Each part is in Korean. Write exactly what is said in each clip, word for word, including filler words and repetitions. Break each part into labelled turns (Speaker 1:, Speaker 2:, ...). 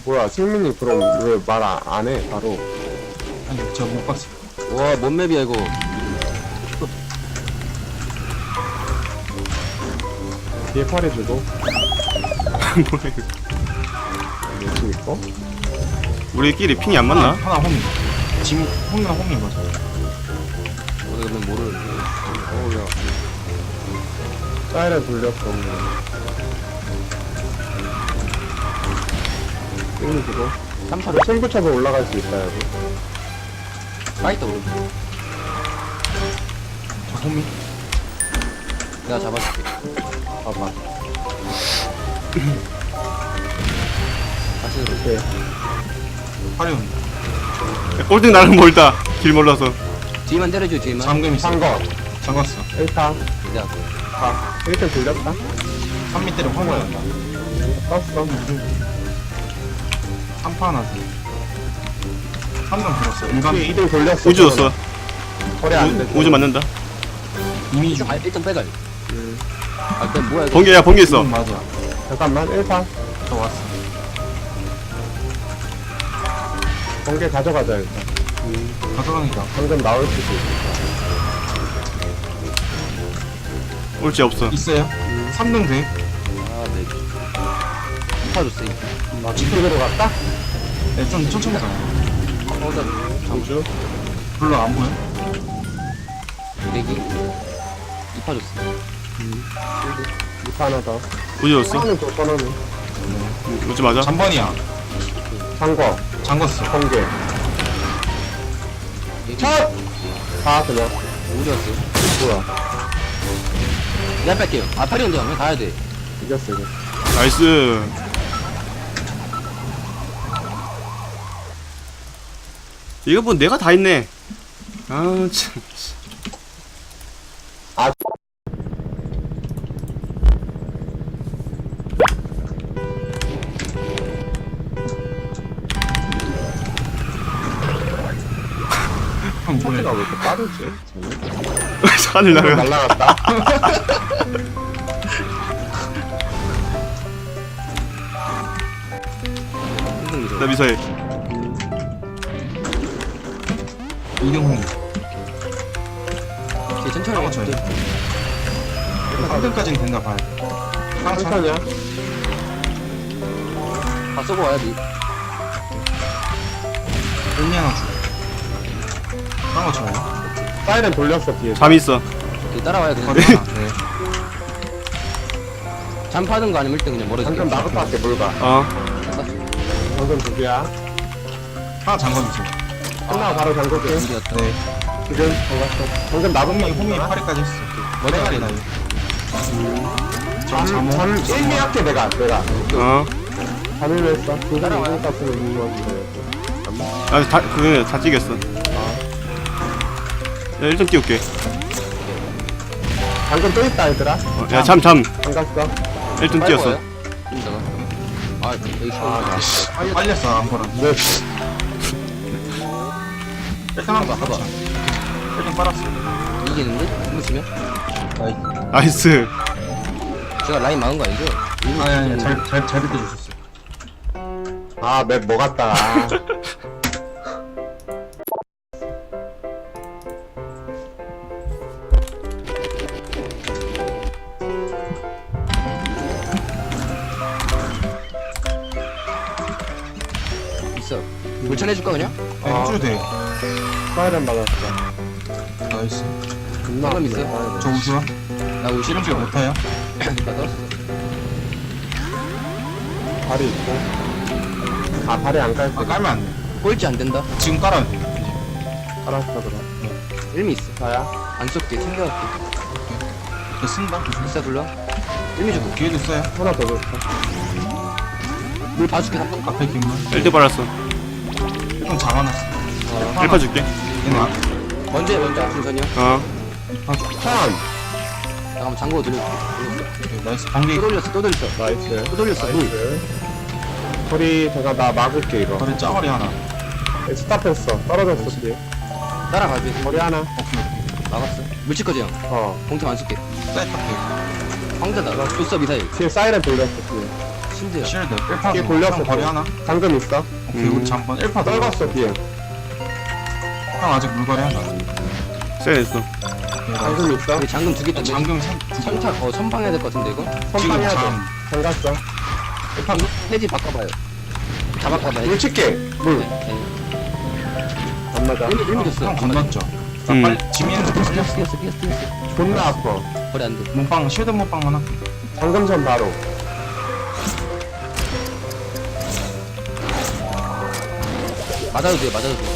Speaker 1: 뭐야, 승민이 그럼 왜 말 안 해, 바로.
Speaker 2: 아니 제가 못 봤어요.
Speaker 3: 와, 뭔 맵이야 이거.
Speaker 1: 뒤에 팔이 주고.
Speaker 4: 뭐야 이거.
Speaker 1: 뭐지, 이거?
Speaker 4: 우리끼리 핑이 안 맞나?
Speaker 2: 하나 홈이. 지금 홈이랑 홈인 거죠.
Speaker 3: 어디 가면 모르는데. 어우, 야.
Speaker 1: 사이렌 돌렸어. 승민이 주고.
Speaker 3: 삼파를
Speaker 1: 승 붙여서 올라갈 수 있다, 여기.
Speaker 3: 파이터 오른쪽.
Speaker 2: 저 홈이.
Speaker 3: 내가 잡아줄게.
Speaker 1: 봐봐.
Speaker 3: 다시 들어.
Speaker 1: 오케이.
Speaker 2: 팔이 온다.
Speaker 4: 꼴등 나는 멀다. 길 몰라서.
Speaker 3: 뒤만 때려줘, 뒤만.
Speaker 2: 잠금 있어.
Speaker 1: 상거.
Speaker 2: 잠갔어.
Speaker 1: 일 타.
Speaker 3: 내가
Speaker 1: 아, 일 타 돌렸다.
Speaker 2: 삼 밑 때려 황거였다.
Speaker 1: 떴어.
Speaker 2: 삼 파 하나 줘. 삼 명 들었어. 인간
Speaker 1: 이 등 돌렸어.
Speaker 4: 우주 줬어.
Speaker 1: 거래 안 돼.
Speaker 4: 우- 우주 맞는다.
Speaker 2: 이미 주.
Speaker 3: 아, 일단 빼갈.
Speaker 1: 음.
Speaker 3: 아, 그냥 뭐야 이거.
Speaker 4: 번개, 야, 번개 있어.
Speaker 2: 음, 맞아.
Speaker 1: 잠깐만, 일 타.
Speaker 2: 저 왔어.
Speaker 1: 번개 가져가자, 일단.
Speaker 2: 가져가니까.
Speaker 1: 방금 나올 수도 있어.
Speaker 4: 올지 없어.
Speaker 2: 있어요. 삼 등 돼.
Speaker 3: 아, 네. 삼파 줬어, 이거.
Speaker 1: 아, 뒤쪽으로 갔다?
Speaker 2: 네, 좀 천천히 가요.
Speaker 3: 어, 나
Speaker 1: 우주.
Speaker 2: 별로 안 보여.
Speaker 3: 내기. 이파 줬어.
Speaker 1: 이 타 하나 더.
Speaker 4: 우주 줬어.
Speaker 1: 하나는 또 선언해.
Speaker 4: 우주 맞아.
Speaker 2: 잠번이야.
Speaker 1: 상거.
Speaker 2: 잠갔어.
Speaker 1: 번개.
Speaker 3: 내기.
Speaker 1: 첫! 다 그냥.
Speaker 3: 우주 왔어.
Speaker 1: 뭐야.
Speaker 3: 내가 뺄게요. 아, 팔이 온다. 그냥 가야 돼.
Speaker 1: 이겼어, 이겼어.
Speaker 4: 나이스. 이거 뭐 내가 다 했네. 아, 참.
Speaker 1: 아,
Speaker 2: 형
Speaker 1: 차트가
Speaker 2: 뭐야?
Speaker 1: 왜 이렇게 빠르지?
Speaker 4: 하늘 날아가.
Speaker 1: 날라갔다.
Speaker 4: 나 미사일.
Speaker 2: 이등 홈이.
Speaker 3: 되게 천천히
Speaker 2: 하고
Speaker 3: 해.
Speaker 2: 쳐요. 삼 등까지는 된다 봐요. 깡차.
Speaker 1: 천천히야.
Speaker 3: 다 쏘고 와야 돼.
Speaker 2: 일미 하나 줘. 깡거 쳐요.
Speaker 1: 사이렌 돌렸어, 뒤에.
Speaker 4: 잠 있어.
Speaker 3: 뒤 따라와야 그냥.
Speaker 2: 거리 하나. 네.
Speaker 3: 잠 파는 거 아니면 일단 그냥 멀어질게.
Speaker 1: 방금 나부터 할게, 뭘 봐.
Speaker 4: 어.
Speaker 1: 방금 두 개야.
Speaker 2: 하나 잠궈주세요.
Speaker 1: 끝나고 바로 잠글게.
Speaker 3: 이겼다.
Speaker 2: 네.
Speaker 1: 지금, 반갑어. 방금 나부터
Speaker 2: 홈이 홈이 파리까지 했어. 머리가리 나요. 저 잠호.
Speaker 1: 잠, 일 미 할게, 내가, 내가.
Speaker 4: 어.
Speaker 1: 잠을 왜 했어? 두 사람 이동 값으로 있는 건데.
Speaker 4: 아, 다, 그거 다 찍겠어. 야, 일단 띄울게.
Speaker 1: 방금 또 있다, 얘들아.
Speaker 4: 어, 야, 잠, 잠.
Speaker 1: 반갑어.
Speaker 4: 일단 띄웠어.
Speaker 3: 이따가. 아, 여기
Speaker 1: 아,
Speaker 3: 시원.
Speaker 2: 빨리 빨렸어 안 보라.
Speaker 1: 네.
Speaker 2: 일등 한번
Speaker 3: 봐봐.
Speaker 2: 봐봐. 일등 빨았어.
Speaker 3: 이기는데? 한번 치면?
Speaker 2: 나이스.
Speaker 4: 나이스.
Speaker 3: 제가 라인 막은 거 아니죠?
Speaker 2: 아니 아니 잘잘잘 비켜주셨어요.
Speaker 1: 아, 맵 뭐 같다. 아.
Speaker 3: 있어. 불천해줄까 그냥?
Speaker 2: 네, 해줘도 돼.
Speaker 1: 사이렌 받았어.
Speaker 2: 나이스.
Speaker 1: 존나
Speaker 3: 방금
Speaker 1: 아프네,
Speaker 3: 있어.
Speaker 1: 사이렌.
Speaker 2: 저 우주야?
Speaker 3: 나 우리
Speaker 2: 실험
Speaker 3: 실험
Speaker 2: 시간 못 타요?
Speaker 3: 나 넣었어.
Speaker 1: 발이 있고. 아, 발이 안 깔
Speaker 2: 아
Speaker 1: 때.
Speaker 2: 깔면 안 돼.
Speaker 3: 꼴찌 안 된다.
Speaker 2: 지금 깔아야 돼. 이제.
Speaker 1: 알았어, 그럼.
Speaker 3: 일미 있어.
Speaker 1: 나야?
Speaker 3: 안 쏠게. 챙겨갈게.
Speaker 2: 이거 쓴다.
Speaker 3: 비싸 불러. 일미 주고.
Speaker 2: 기회도 써요.
Speaker 1: 하나 더 줬어.
Speaker 3: 물 봐줄게. 한 번.
Speaker 2: 앞에 김만.
Speaker 4: 일등 빨았어.
Speaker 2: 좀 잡아놨어.
Speaker 4: 일파 줄게.
Speaker 2: 얘는 아,
Speaker 3: 먼저 해, 먼저. 순선이요.
Speaker 4: 어.
Speaker 1: 천!
Speaker 3: 잠깐만 잠궈 돌려.
Speaker 2: 오케이, 나이스. 번개
Speaker 3: 또 돌렸어. 또 돌렸어.
Speaker 1: 나이스.
Speaker 3: 또 돌렸어. 물.
Speaker 1: 나이스. 소리, 잠깐, 나 막을게, 이거.
Speaker 2: 거리 짜거리 하나.
Speaker 1: 스탑했어. 떨어졌어, 뒤에.
Speaker 3: 따라가지.
Speaker 1: 머리 하나.
Speaker 2: 오케이 오케이.
Speaker 3: 막았어. 물칠 거지 형.
Speaker 1: 어.
Speaker 3: 봉투 안 쏠게.
Speaker 2: 사이트 앞에.
Speaker 3: 황자다. 줬어 미사일.
Speaker 1: 뒤에 사이렌 돌렸어, 뒤에.
Speaker 3: 실드요.
Speaker 2: 실드 일 파
Speaker 1: 뒤에
Speaker 2: 주고
Speaker 1: 골렸어,
Speaker 2: 형 거리
Speaker 1: 또.
Speaker 2: 하나.
Speaker 1: 잠금 있어.
Speaker 2: 오케이 우리 잠번 일 파 떨궜어.
Speaker 1: 떨궜어 뒤에.
Speaker 2: 형 아직 물거리 한다.
Speaker 4: 쎄했어.
Speaker 1: 잠금 있어.
Speaker 3: 여기 잠금 두개 떴네.
Speaker 2: 잠금 선
Speaker 3: 선착 어 선방해야 될 것 같은데 이거.
Speaker 1: 선방해야 돼.
Speaker 2: 잠.
Speaker 1: 잠갔어.
Speaker 3: 이거 페이지 바꿔봐요. 다 바꿔봐요.
Speaker 1: 물 칠게. 물.
Speaker 3: 네.
Speaker 1: 안 맞아.
Speaker 3: 일미 일미 줬어.
Speaker 2: 형 건넜죠. 나
Speaker 4: 음.
Speaker 2: 빨리 지민은
Speaker 3: 뛰었어 뛰었어 뛰었어 뛰었어.
Speaker 1: 존나 아파.
Speaker 3: 거리 안 돼.
Speaker 2: 몸빵 실드 몸빵만 할게.
Speaker 1: 잠금선 바로.
Speaker 3: 맞아도 돼 맞아도 돼.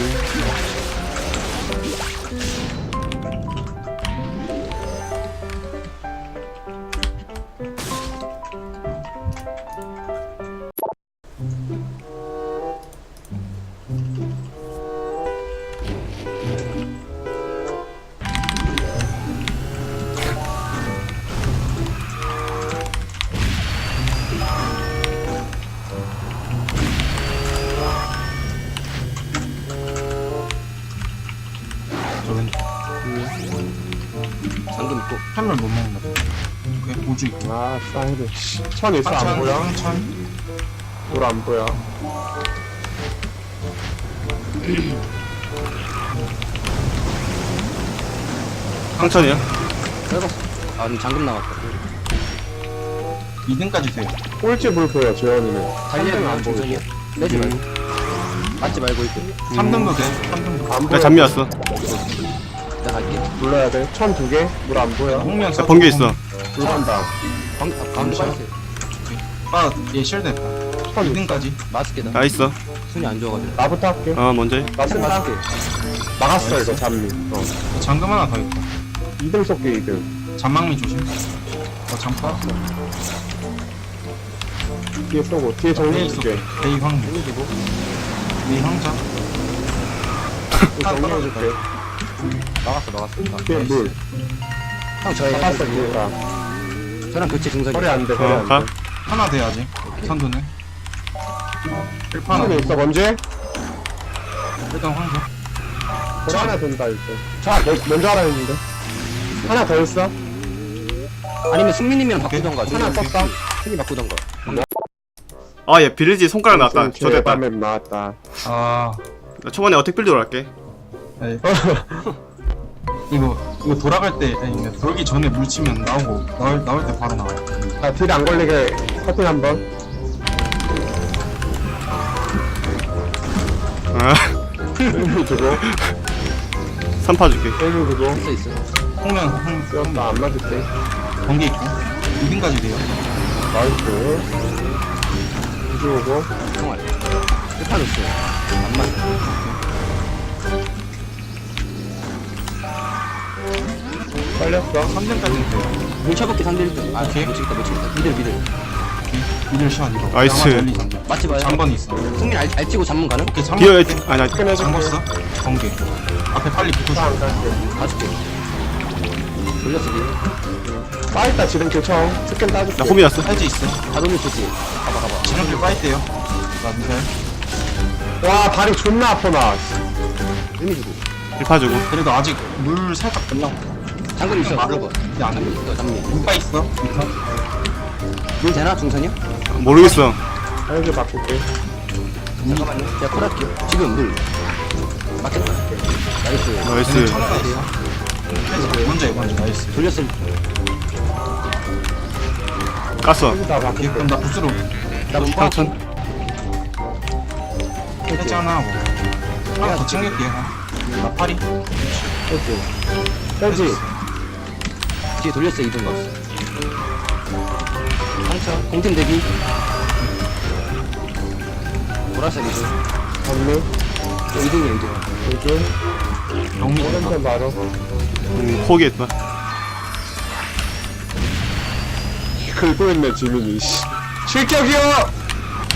Speaker 2: 저 왼쪽.
Speaker 3: 잠금 있고.
Speaker 2: 한물 못 먹는다. 오케이 우주 있고.
Speaker 1: 아, 사이드. 천 있어, 안 보여?
Speaker 2: 황천.
Speaker 1: 물 안 보여.
Speaker 4: 상천이야?
Speaker 3: 떨궜어. 아 근데 잠금 나왔다.
Speaker 2: 이 등까지 돼요.
Speaker 1: 꼴찌 물 보여, 재현이는.
Speaker 3: 달리면
Speaker 1: 안 보이고.
Speaker 3: 중선이야. 빼지 말고. 맞지 말고 이렇게.
Speaker 2: 삼 등도 돼. 삼 등도.
Speaker 1: 안
Speaker 4: 나
Speaker 1: 보여.
Speaker 4: 잠미 왔어.
Speaker 3: 나 갈게.
Speaker 1: 눌러야 돼. 천 두 개. 물 안 보여.
Speaker 2: 홍면
Speaker 4: 나 번개 있어.
Speaker 1: 물 간다.
Speaker 3: 방, 아, 가운데 빠졌어요.
Speaker 2: 아얘 실드 했다. 이 등까지.
Speaker 3: 마스크다.
Speaker 4: 나 있어.
Speaker 3: 순이 안 좋아가지고.
Speaker 1: 나부터 할게.
Speaker 4: 어, 먼저 해.
Speaker 1: 나 쓴다. 막았어, 이거 잠미. 어.
Speaker 2: 잠금 하나 더 있다.
Speaker 1: 이 등 쏠게, 이 등.
Speaker 2: 잠망미 조심. 어 잠깐.
Speaker 1: 뒤에 쏘고. 뒤에 정리해줄게.
Speaker 2: 데이 황. 데이 황자.
Speaker 1: 정리해줄게.
Speaker 3: 나갔어 나갔어.
Speaker 1: 뒤에 물.
Speaker 3: 형 저희
Speaker 1: 잡았어, 뒤에가.
Speaker 3: 저랑 교체 중선이.
Speaker 1: 거리 안 돼, 거리
Speaker 4: 어,
Speaker 1: 안
Speaker 4: 가.
Speaker 1: 돼.
Speaker 2: 하나 돼야지. 선두는. 일 파 하나.
Speaker 1: 하나 있어, 먼저?
Speaker 2: 일단 황자.
Speaker 1: 거리 하나 된다, 이제. 자, 너, 먼저 하라 했는데. 하나 더 있어.
Speaker 3: 아니면 승민님이랑 바꾸던가.
Speaker 1: 하나 썼다.
Speaker 3: 승민 바꾸던가.
Speaker 4: 아, 얘 비르지 손가락 나왔다. 저됐다.
Speaker 1: 밤에 나왔다.
Speaker 2: 아.
Speaker 4: 나 초반에 어택 빌드로 할게.
Speaker 2: 네. 이거 이거 돌아갈 때 아니 이거 돌기 전에 물 치면 나오고 나올 나올 때 바로 나와요.
Speaker 1: 자, 딜 안 걸리게 커팅 한 번.
Speaker 4: 아,
Speaker 1: 일부 주고,
Speaker 4: 삼 파 줄게.
Speaker 1: 일부 주고.
Speaker 3: 있어 있어.
Speaker 2: 홍면 홍
Speaker 1: 쓰였다, 안 맞을 때.
Speaker 2: 번개 있고 이 등까지 돼요.
Speaker 1: 나이스. 구주 오고.
Speaker 3: 총알. 끝판 없어요. 안 맞아.
Speaker 1: 빨렸어.
Speaker 2: 삼 등까지는 돼요.
Speaker 3: 뭉쳐볼게 삼 대 일 등. 아
Speaker 2: 오케이.
Speaker 3: 못 치겠다 못 치겠다. 미들 미들.
Speaker 2: 미들 시간 이거.
Speaker 4: 나이스.
Speaker 2: 양아 열리 잠금.
Speaker 3: 맞지 마요.
Speaker 2: 잠번 있어.
Speaker 3: 승민 알, 알치고 잠문 가능?
Speaker 2: 오케이 잠번.
Speaker 4: 뒤에, 아니, 나,
Speaker 2: 잠궜어. 번개. 앞에 빨리 붙어줘.
Speaker 1: 안 갈게.
Speaker 3: 가줄게. 돌렸어 니.
Speaker 1: 빠있다, 지금 교청. 스캔 따줄게.
Speaker 4: 나 홈이 왔어.
Speaker 2: 사이즈 있어.
Speaker 3: 다 돌려주지. 가봐 가봐.
Speaker 2: 지름길 빠있대요. 나 미사일.
Speaker 1: 와, 다리 존나 아파, 나.
Speaker 3: 의미 주고.
Speaker 4: 일 파 주고.
Speaker 2: 그래도 아직 물 살짝 끝나고.
Speaker 3: 잠금 있어.
Speaker 2: 맞아.
Speaker 3: 물어봐.
Speaker 2: 근데 안 돼.
Speaker 3: 이거 잠미.
Speaker 2: 물빠 있어. 미사.
Speaker 3: 물 되나 중선이야?
Speaker 4: 모르겠어.
Speaker 1: 사이즈 바꿀게.
Speaker 3: 잠깐만요. 제가 콜할게요. 지금 물. 맞겠다. 나이스.
Speaker 4: 나이스.
Speaker 2: 천 하나 있어. 먼저 해 먼저. 나이스.
Speaker 3: 돌렸을.
Speaker 4: 깠어.
Speaker 1: 사이즈 다
Speaker 2: 오케이
Speaker 1: 바꿀게.
Speaker 2: 그럼 나 부스로
Speaker 3: 나문
Speaker 4: 상천.
Speaker 2: 해지 하나 하고 하나 더 챙길게요. 나 파리.
Speaker 1: 그렇지. 그렇지.
Speaker 3: 뒤에 돌렸어 이등 넣었어. 상처. 공팀 대기. 보라색 이등.
Speaker 1: 전미.
Speaker 3: 이등이야 이등.
Speaker 1: 요즘.
Speaker 2: 영미
Speaker 1: 오른쪽 바로.
Speaker 4: 음, 포기했다.
Speaker 1: 긁고 있네, 지민이. 씨. 실격이요!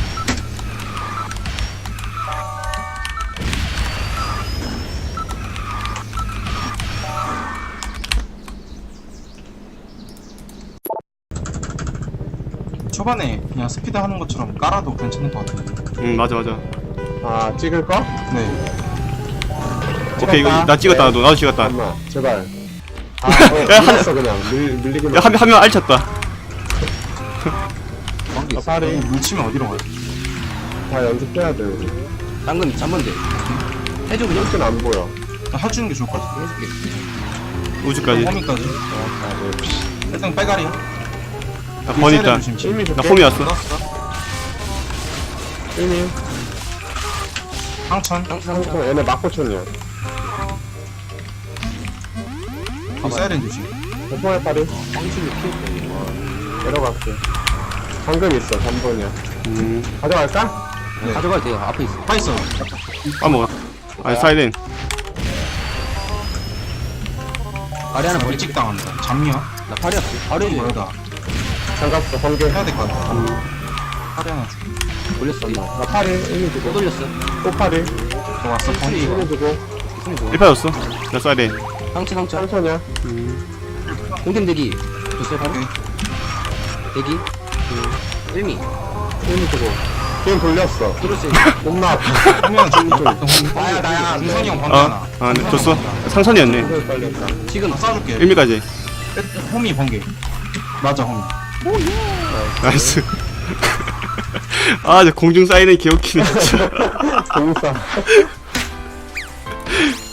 Speaker 2: 초반에 그냥 스피드 하는 것처럼 깔아도 괜찮을 것 같은데.
Speaker 4: 응, 맞아, 맞아.
Speaker 1: 아, 찍을 거?
Speaker 2: 네.
Speaker 4: 오케이, 이거, 나 찍었다, 나도. 나도 찍었다.
Speaker 1: 잠깐만, 제발. 아, 어,
Speaker 4: 야, 한-
Speaker 1: 밀렸어, 그냥. 밀, 밀리기만.
Speaker 4: 야, 한, 명- 한명 알쳤다.
Speaker 3: 관계 있어.
Speaker 1: 파리.
Speaker 2: 물치면 어디로 가요?
Speaker 1: 다 연습해야 돼, 우리.
Speaker 3: 당근 잠번 돼. 해줘 그냥.
Speaker 1: 힐은 안 보여.
Speaker 2: 그냥 해주는 게 좋을 것 같아.
Speaker 3: 해줄게.
Speaker 4: 우주까지.
Speaker 2: 호미까지. 일단 빼가리야.
Speaker 4: 나 번 있다.
Speaker 1: 일미
Speaker 4: 나
Speaker 1: 줄게.
Speaker 4: 홈이 왔어.
Speaker 1: 일미.
Speaker 2: 상천.
Speaker 1: 상처, 얘네 막고천이야.
Speaker 2: 이 사이렌 조심.
Speaker 1: 오퍼의 파리.
Speaker 3: 방식이 피했다.
Speaker 1: 내려갈게. 방금 있어, 삼 번이야.
Speaker 4: 음.
Speaker 1: 가져갈까?
Speaker 2: 네.
Speaker 3: 가져가도 돼요. 앞에 있어.
Speaker 2: 파 있어.
Speaker 4: 까먹어. 아, 사이렌.
Speaker 3: 아래 하나 버리.
Speaker 2: 일찍 당한다. 잠이야.
Speaker 3: 나 팔이 없어. 바로 해줘.
Speaker 2: 뭐다.
Speaker 1: 장갑도 번개.
Speaker 2: 해야 될 것 같아. 파리 하나 주.
Speaker 3: 돌렸어.
Speaker 1: 나 파리, 일미
Speaker 3: 또
Speaker 1: 주고.
Speaker 3: 돌렸어.
Speaker 1: 또 파리.
Speaker 2: 저 왔어. 번개.
Speaker 1: 일미 주고.
Speaker 3: 있으면 좋아.
Speaker 4: 일 파였어. 나 사이렌.
Speaker 3: 상처 상처.
Speaker 1: 천천이야.
Speaker 3: 공템 대기. 줬어요 바로.
Speaker 2: 오케이.
Speaker 3: 대기. 일미.
Speaker 1: 일미 주고. 지금 돌렸어.
Speaker 3: 돌렸어요.
Speaker 1: 못 나왔다.
Speaker 2: 호미야 좀 좀.
Speaker 1: 나야, 나야.
Speaker 2: 준선이 형 번개
Speaker 4: 어?
Speaker 2: 하나.
Speaker 4: 아, 네, 줬어. 상선이었네.
Speaker 1: 이걸 걸렸다.
Speaker 3: 지금
Speaker 2: 쏴줄게.
Speaker 4: 일미까지.
Speaker 2: 호미 번개. 맞아 호미.
Speaker 4: 나이스. 아, 저 공중 사이렌 개웃기네, 진짜.
Speaker 1: 공사.